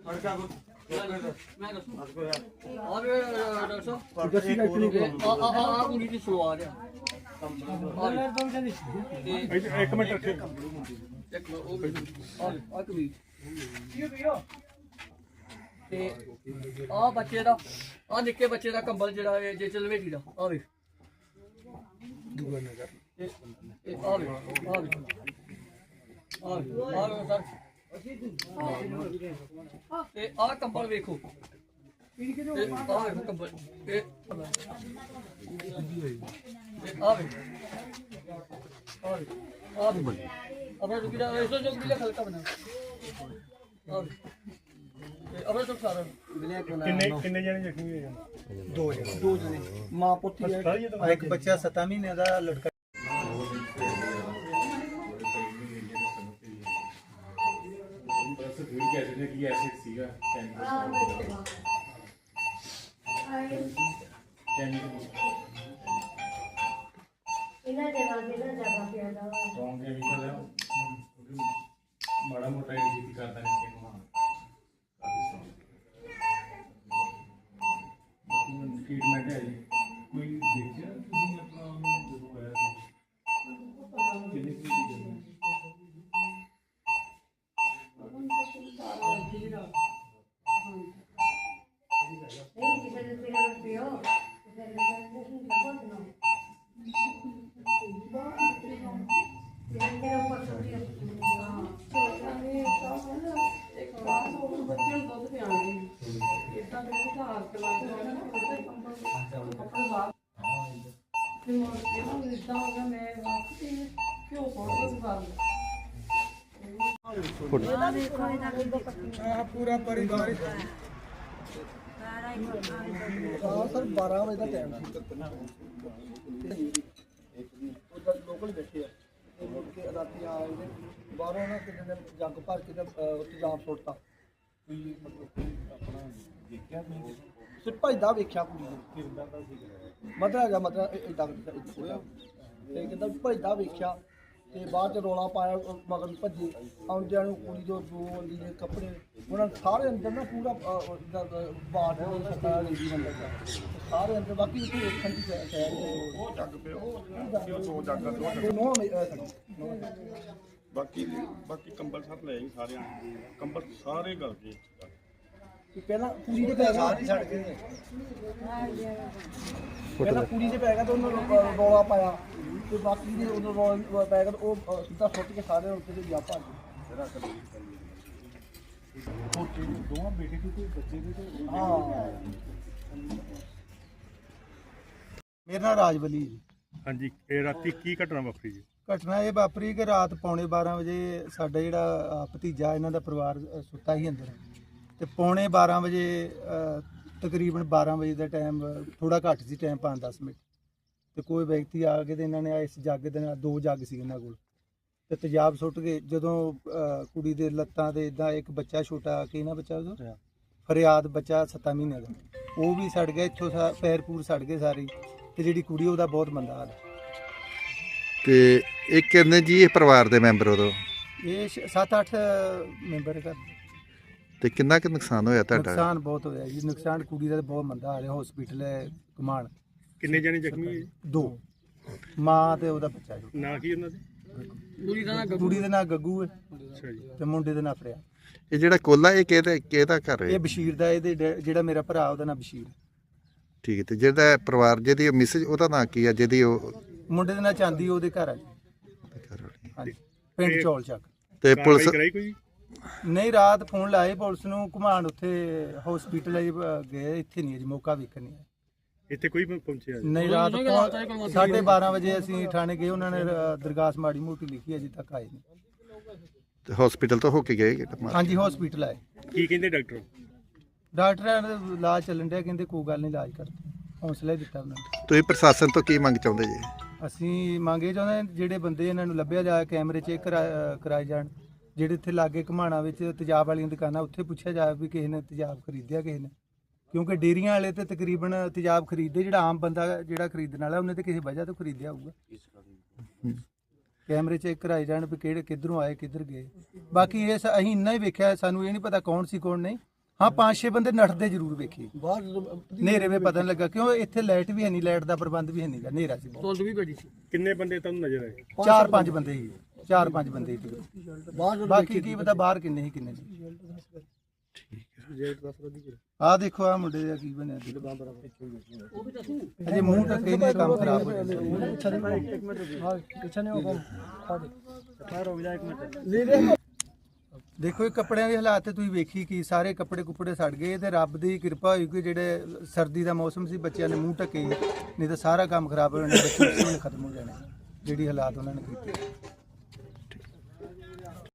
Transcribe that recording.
ਮੈਂ ਦੱਸੂ ਆ ਵੀ ਦੱਸੋ ਆ ਕੁੜੀ ਦੀ ਸਲਵਾਰ ਆ ਇੱਕ ਮਿੰਟ ਰੱਖੇ ਇੱਕ ਉਹ ਆ ਕੁੜੀ ਤੇ ਆ ਬੱਚੇ ਦਾ ਆ ਨਿੱਕੇ ਬੱਚੇ ਦਾ ਕੰਬਲ ਜਿਹੜਾ ਹੈ ਜੇ ਚਲਵੇਟੀ ਦਾ ਆ ਵੇ ਦੂਆ ਨਜ਼ਰ ਇਹ ਆ ਵੇ ਆ ਵੇ ਆ ਵੇ ਸਰ ਤੇ ਆ ਕੰਬਲ ਵੇਖੋ ਇਹ ਆ ਵੇਖੋ ਕੰਬਲ ਇਹ ਆ ਵੇ ਆ ਵੇ ਆਪਣਾ ਰੁਕੀ ਦਾ ਇਸੋ ਜੋ ਵੀ ਹਲਕਾ ਬਣਾ ਆ ਵੇ ਆਪਣਾ ਤੋਂ ਸਾਰਾ ਕਿੰਨੇ ਜਣੇ ਜ਼ਖਮੀ ਹੋਏ ਦੋ ਜਣੇ ਮਾਂ ਪੁੱਤੀ ਹੈ ਇੱਕ ਬੱਚਾ 7 ਮਹੀਨੇ ਦਾ ਲੜਕਾ ਮਾੜਾ ਮੋਟਾ ਹੀ ਕਰਦਾ ਨਹੀਂ ट्रीटमेंट है जी कोई देखिए ਤੁਸੀਂ ਆਪਣਾ ਉਹਨੂੰ ਜਦੋਂ ਆਇਆ ਸੀ ਕਿੰਨੇ ਕੀ ਪੂਰਾ ਪਰਿਵਾਰ ਸਰ 12 ਵਜੇ ਦਾ ਟਾਈਮ ਸੀ ਉਹਦਾ ਲੋਕਲ ਬੈਠੇ ਆ ਮੁੜ ਕੇ ਰਾਤੀ ਆਏ ਬਾਹਰੋਂ ਨਾ ਕਿਤੇ ਦਿਨ ਜੱਗ ਭਰ ਕੇ ਉੱਥੇ ਜਾਮ ਸੁੱਟਤਾ ਕੋਈ ਮਤਲਬ ਆਪਣਾ ਦੇਖਿਆ ਨਹੀਂ ਸਿਰ ਭਜਦਾ ਵੇਖਿਆ ਕੁੜੀ ਨੂੰ ਕਿਰਦਾ ਤਾਂ ਸੀ ਮਤਲਬ ਹੈਗਾ ਮਤਲਬ ਇਦਾਂ ਹੋਇਆ ਤੇ ਕਹਿੰਦਾ ਭਜਦਾ ਵੇਖਿਆ ਤੇ ਬਾਅਦ ਚ ਰੌਲਾ ਪਾਇਆ ਮਗਰ ਭੱਜੇ ਆਉਂਦਿਆਂ ਨੂੰ ਕੁੜੀ ਦੇ ਜੋ ਲੀੜੇ ਕੱਪੜੇ ਉਹਨਾਂ ਸਾਰੇ ਅੰਦਰ ਨਾ ਪੂਰਾ ਬਾੜ ਸਤਾ ਲੈਂਦੀ ਬੰਦਾ ਸਾਰੇ ਅੰਦਰ ਬਾਕੀ ਉੱਥੇ ਵੇਖਣ ਦੀ ਸ਼ਾਇਦ ਉਹ ਜੱਗ ਪਿਆ ਉਹ ਦੋ ਜੱਗ ਨੋ ਬਾਕੀ ਕੰਬਲ ਸਭ ਲੈ ਸਾਰਿਆਂ ਕੰਬਲ ਸਾਰੇ ਗਲ ਗਏ ਪਹਿਲਾਂ ਕੁੜੀ ਦੇ ਪੈ ਗਿਆ ਛੱਡ ਕੇ ਪਹਿਲਾਂ ਕੁੜੀ ਦੇ ਪੈ ਗਿਆ ਤੇ ਉਹਨੂੰ ਰੌਲਾ ਪਾਇਆ ਤੇ ਬਾਕੀ ਦੇ ਉਹਨੂੰ ਰੌਲਾ ਪੈ ਗਿਆ ਉਹ ਸਿੱਧਾ ਸੁੱਟ ਕੇ ਸਾਰੇ ਉੱਤੇ ਤੇ ਗਿਆ ਭੱਜ ਦੋਵਾਂ ਬੇਟੇ ਦੀ ਕੋਈ ਬੱਚੇ ਦੀ ਤੇ ਹਾਂ ਮੇਰਾ ਨਾਮ ਰਾਜਵਲੀ ਜੀ। ਹਾਂਜੀ ਇਹ ਰਾਤੀ ਕੀ ਘਟਨਾ ਵਾਪਰੀ ਜੀ ਘਟਨਾ ਇਹ ਵਾਪਰੀ ਕਿ ਰਾਤ ਪੌਣੇ 12 ਵਜੇ ਸਾਡਾ ਜਿਹੜਾ ਭਤੀਜਾ ਇਹਨਾਂ ਦਾ ਪਰਿਵਾਰ ਸੁੱਤਾ ਸੀ ਅੰਦਰ ਤੇ ਪੌਣੇ 12 ਵਜੇ ਤਕਰੀਬਨ 12 ਵਜੇ ਦਾ ਟਾਈਮ ਥੋੜਾ ਘੱਟ ਸੀ ਟਾਈਮ 5-10 ਮਿੰਟ ਤੇ ਕੋਈ ਵਿਅਕਤੀ ਆ ਕੇ ਤੇ ਇਹਨਾਂ ਨੇ ਇਸ ਜੱਗ ਦੇ ਨਾਲ 2 ਜੱਗ ਸੀ ਇਹਨਾਂ ਕੋਲ ਤੇ ਤੇਜ਼ਾਬ ਸੁੱਟ ਕੇ ਜਦੋਂ ਕੁੜੀ ਦੇ ਲੱਤਾਂ ਤੇ ਇਦਾਂ ਇੱਕ ਬੱਚਾ ਛੋਟਾ ਕਿ ਨਾ ਬੱਚਾ ਉਹਦਾ ਫਰਿਆਦ ਬੱਚਾ 7 ਮਹੀਨੇ ਦਾ ਉਹ ਵੀ ਸੜ ਗਿਆ ਇੱਥੋਂ ਪੈਰ ਪੂਰ ਸੜ ਗਏ ਸਾਰੇ ਤੇ ਜਿਹੜੀ ਕੁੜੀ ਉਹਦਾ ਬਹੁਤ ਮੰਦਾ ਹਾਲ ਤੇ ਇਹ ਕਿੰਨੇ ਜੀ ਇਹ ਪਰਿਵਾਰ ਦੇ ਮੈਂਬਰ ਉਦੋਂ ਇਹ 7-8 ਮੈਂਬਰ ਘਰ ਤੇ ਕਿੰਨਾ ਕੁ ਨੁਕਸਾਨ ਹੋਇਆ ਤੁਹਾਡਾ ਨੁਕਸਾਨ ਬਹੁਤ ਹੋਇਆ ਜੀ ਨੁਕਸਾਨ ਕੁੜੀ ਦਾ ਬਹੁਤ ਮੰਦਾ ਹਾਲ ਹੈ ਹਸਪੀਟਲ ਹੈ ਕਮਾਣ ਕਿੰਨੇ ਜਣੇ ਜ਼ਖਮੀ ਹੋਏ 2 ਮਾਂ ਤੇ ਉਹਦਾ ਬੱਚਾ ਜੀ ਨਾਂ ਕੀ ਉਹਨਾਂ ਦੇ ਕੁੜੀ ਦੇ ਨਾਂ ਗੱਗੂ ਹੈ ਅੱਛਾ ਜੀ ਤੇ ਮੁੰਡੇ ਦੇ ਨਾਂ ਫਰਿਆ ਇਹ ਜਿਹੜਾ ਕੋਲਾ ਇਹ ਕਿਹਦਾ ਘਰ ਇਹ ਹੈ ਬਸ਼ੀਰ ਦਾ ਇਹਦੇ ਜਿਹੜਾ ਮੇਰਾ ਭਰਾ ਉਹਦਾ ਨਾਂ ਬਸ਼ੀਰ ਠੀਕ ਹੈ ਤੇ ਜਿਹੜਾ ਪਰਿਵਾਰ ਜਿਹਦੀ ਮਿਸਜ ਉਹਦਾ ਨਾਂ ਕੀ ਆ ਜਿਹਦੀ ਉਹ ਮੁੰਡੇ ਦੇ ਨਾਂ ਚਾਂਦੀ ਉਹਦੇ ਘਰ ਆ ਜੀ ਹਾਂਜੀ ਪਿੰਡ ਚੌਲ ਚੱਕ ਤੇ ਪੁਲਿਸ ਕਰਾਈ ਕੋਈ ਨਹੀਂ ਰਾਤ ਫੋਨ ਲਾਏ ਪੁਲਿਸ ਨੂੰ ਘੁਮਾਣ ਉੱਥੇ ਹਸਪੀਟਲ ਗਏ ਇੱਥੇ ਨਹੀਂ ਜੀ ਮੌਕਾ ਵੇਖਣ ਨਹੀਂ ਇੱਥੇ ਕੋਈ ਪਹੁੰਚਿਆ ਨਹੀਂ ਰਾਤ 12:30 ਵਜੇ ਅਸੀਂ ਥਾਣੇ ਗਏ ਉਹਨਾਂ ਨੇ ਦਰਗਾਸ ਮਾੜੀ ਮੋਟੀ ਲਿਖੀ ਅਜੇ ਤੱਕ ਆਏ ਨਹੀਂ ਹਸਪੀਟਲ ਤੋਂ ਹੋ ਕੇ ਗਏ ਹਾਂਜੀ ਹਸਪੀਟਲ ਆਏ ਕੀ ਕਹਿੰਦੇ ਡਾਕਟਰਾਂ ਦਾ ਇਲਾਜ ਚੱਲਣ ਡਿਆ ਕਹਿੰਦੇ ਕੋਈ ਗੱਲ ਨਹੀਂ ਇਲਾਜ ਕਰਦੇ ਹੌਸਲਾ ਹੀ ਦਿੱਤਾ ਉਹਨਾਂ ਨੇ ਤੁਸੀਂ ਪ੍ਰਸ਼ਾਸਨ ਤੋਂ ਕੀ ਮੰਗ ਚਾਹੁੰਦੇ ਜੀ ਅਸੀਂ ਮੰਗੇ ਚਾਹੁੰਦੇ ਜਿਹੜੇ ਬੰਦੇ ਇਹਨਾਂ ਨੂੰ ਲੱਭਿਆ ਜਾਏ ਕੈਮਰੇ ਚੈੱਕ ਕਰਾਏ ਜਾਣ ਜਿਹੜੇ ਇੱਥੇ ਲਾਗੇ ਘਮਾਣਾ ਵਿੱਚ ਤੇਜ਼ਾਬ ਵਾਲੀਆਂ ਦੁਕਾਨਾਂ ਉੱਥੇ ਪੁੱਛਿਆ ਜਾਵੇ ਵੀ ਕਿਸੇ ਨੇ ਤੇਜ਼ਾਬ ਖਰੀਦਿਆ ਕਿਸੇ ਨੇ ਕਿਉਂਕਿ ਡੇਰੀਆਂ ਵਾਲੇ ਤੇ ਤਕਰੀਬਨ ਤੇਜ਼ਾਬ ਖਰੀਦਦੇ ਜਿਹੜਾ ਆਮ ਬੰਦਾ ਜਿਹੜਾ ਖਰੀਦਣ ਵਾਲਾ ਉਹਨੇ ਤੇ ਕਿਸੇ ਵਜ੍ਹਾ ਤੋਂ ਖਰੀਦਿਆ ਹੋਊਗਾ ਕੈਮਰੇ ਚੈੱਕ ਕਰਾਏ ਜਾਣ ਵੀ ਕਿਹੜੇ ਕਿੱਧਰੋਂ ਆਏ ਕਿੱਧਰ ਗਏ ਬਾਕੀ ਇਹ ਅਸੀਂ ਇੰਨਾ ਹੀ ਵੇਖਿਆ ਸਾਨੂੰ ਇਹ ਨਹੀਂ ਪਤਾ ਕੌਣ ਸੀ ਕੌਣ ਨਹੀਂ ਹਾਂ 5-6 ਬੰਦੇ ਨੱਠਦੇ ਜ਼ਰੂਰ ਵੇਖੇ ਬਾਹਰ ਹਨੇਰੇ ਵਿੱਚ ਪਤਾ ਨਹੀਂ ਲੱਗਾ ਕਿਉਂ ਇੱਥੇ ਲਾਈਟ ਵੀ ਹੈ ਨਹੀਂ, ਲਾਈਟ ਦਾ ਪ੍ਰਬੰਧ ਵੀ ਹੈ ਨਹੀਂਗਾ, ਹਨੇਰਾ ਸੀ ਬਹੁਤ। ਧੁੰਦ ਵੀ ਬੜੀ ਸੀ। ਕਿੰਨੇ ਬੰਦੇ ਤੁਹਾਨੂੰ ਨਜ਼ਰ ਆਏ? 4-5 ਬੰਦੇ ਸੀ, 4-5 ਬੰਦੇ ਸੀ। ਬਾਹਰ ਬਾਕੀ ਕੀ ਪਤਾ ਬਾਹਰ ਕਿੰਨੇ ਸੀ ਕਿੰਨੇ ਨਹੀਂ। ਆਹ ਦੇਖੋ ਆਹ ਮੁੰਡੇ ਦਾ ਕੀ ਬਣਿਆ ਸੀ। ਅਜੇ ਮੂੰਹ ਢੱਕੇ ਨੇ ਕੰਮ ਖਰਾਬ ਹੋ ਗਿਆ। ਦੇਖੋ ਇਹ ਕੱਪੜਿਆਂ ਦੇ ਹਾਲਾਤ ਤੇ ਤੁਸੀਂ ਵੇਖੀ ਕਿ ਸਾਰੇ ਕੱਪੜੇ ਕੁੱਪੜੇ ਸੜ ਗਏ ਤੇ ਰੱਬ ਦੀ ਕਿਰਪਾ ਹੋਈ ਕਿ ਜਿਹੜੇ ਸਰਦੀ ਦਾ ਮੌਸਮ ਸੀ ਬੱਚਿਆਂ ਨੇ ਮੂੰਹ ਢੱਕੇ, ਨਹੀਂ ਤਾਂ ਸਾਰਾ ਕੰਮ ਖਰਾਬ ਹੋ ਜਾਣਾ, ਬੱਚੇ ਖਤਮ ਹੋ ਜਾਣੇ ਜਿਹੜੀ ਹਾਲਾਤ ਉਹਨਾਂ ਨੇ ਕੀਤੇ।